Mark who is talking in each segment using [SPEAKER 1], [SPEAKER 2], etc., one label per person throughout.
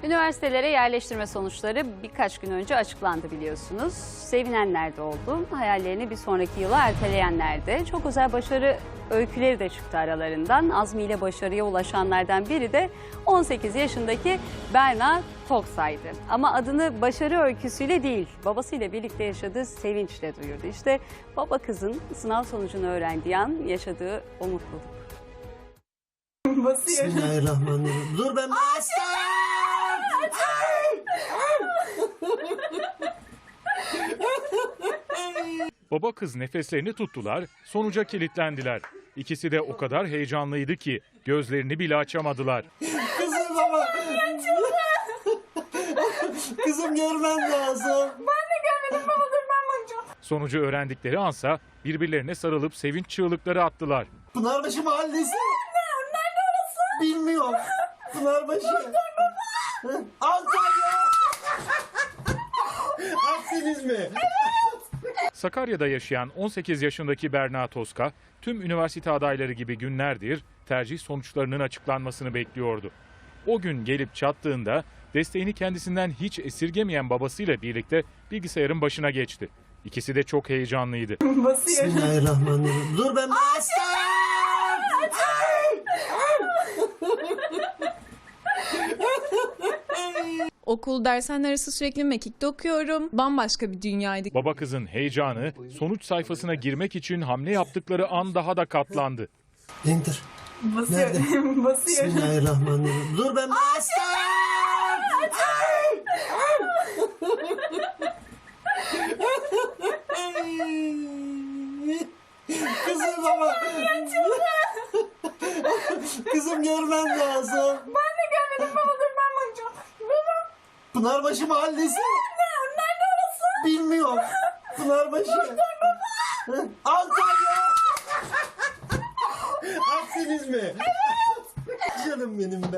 [SPEAKER 1] Üniversitelere yerleştirme sonuçları birkaç gün önce açıklandı biliyorsunuz. Sevinenler de oldu, hayallerini bir sonraki yıla erteleyenler de. Çok özel başarı öyküleri de çıktı aralarından. Azmiyle başarıya ulaşanlardan biri de 18 yaşındaki Berna Toksay'dı. Ama adını başarı öyküsüyle değil, babasıyla birlikte yaşadığı sevinçle duyurdu. İşte baba kızın sınav sonucunu öğrendiği an yaşadığı o mutluluk.
[SPEAKER 2] Bismillahirrahmanirrahim. Dur ben
[SPEAKER 3] Baba kız nefeslerini tuttular, sonuca kilitlendiler. İkisi de o kadar heyecanlıydı ki gözlerini bile açamadılar.
[SPEAKER 2] Kızım baba. Kızım görmen lazım.
[SPEAKER 4] Ben de görmedim baba, dur ben bakacağım.
[SPEAKER 3] Sonucu öğrendikleri ansa birbirlerine sarılıp sevinç çığlıkları attılar.
[SPEAKER 2] Pınarbaşı Mahallesi.
[SPEAKER 4] Nerede orası?
[SPEAKER 2] Bilmiyorum. Pınarbaşı. Antalya. Aksiniz mi?
[SPEAKER 3] Sakarya'da yaşayan 18 yaşındaki Berna Toska, tüm üniversite adayları gibi günlerdir tercih sonuçlarının açıklanmasını bekliyordu. O gün gelip çattığında desteğini kendisinden hiç esirgemeyen babasıyla birlikte bilgisayarın başına geçti. İkisi de çok heyecanlıydı.
[SPEAKER 4] Basıyor.
[SPEAKER 2] Bismillahirrahmanirrahim. Dur ben
[SPEAKER 5] Okul, dershaneler arası sürekli mekikte okuyorum. Bambaşka bir dünyaydı.
[SPEAKER 3] Baba kızın heyecanı sonuç sayfasına girmek için hamle yaptıkları an daha da katlandı.
[SPEAKER 2] Enter.
[SPEAKER 4] Basıyor.
[SPEAKER 2] Nerede?
[SPEAKER 4] Basıyor.
[SPEAKER 2] Bismillahirrahmanirrahim. Dur ben Kızım baba. Kızım görmen lazım.
[SPEAKER 4] Ben de görmedim baba, dur ben bakacağım. Baba.
[SPEAKER 2] Pınarbaşı Mahallesi.
[SPEAKER 4] Nerede orası?
[SPEAKER 2] Bilmiyorum. Pınarbaşı. Antalya. Aksiniz mi? Canım benim be.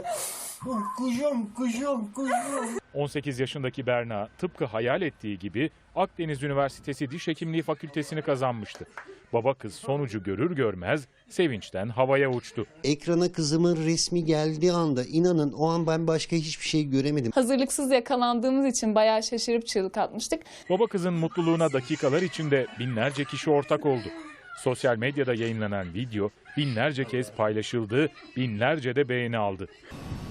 [SPEAKER 2] Kuşum.
[SPEAKER 3] 18 yaşındaki Berna tıpkı hayal ettiği gibi Akdeniz Üniversitesi Diş Hekimliği Fakültesini kazanmıştı. Baba kız sonucu görür görmez sevinçten havaya uçtu.
[SPEAKER 6] Ekrana kızımın resmi geldiği anda inanın o an ben başka hiçbir şey göremedim.
[SPEAKER 5] Hazırlıksız yakalandığımız için bayağı şaşırıp çığlık atmıştık.
[SPEAKER 3] Baba kızın mutluluğuna dakikalar içinde binlerce kişi ortak oldu. Sosyal medyada yayınlanan video binlerce kez paylaşıldı, binlerce de beğeni aldı.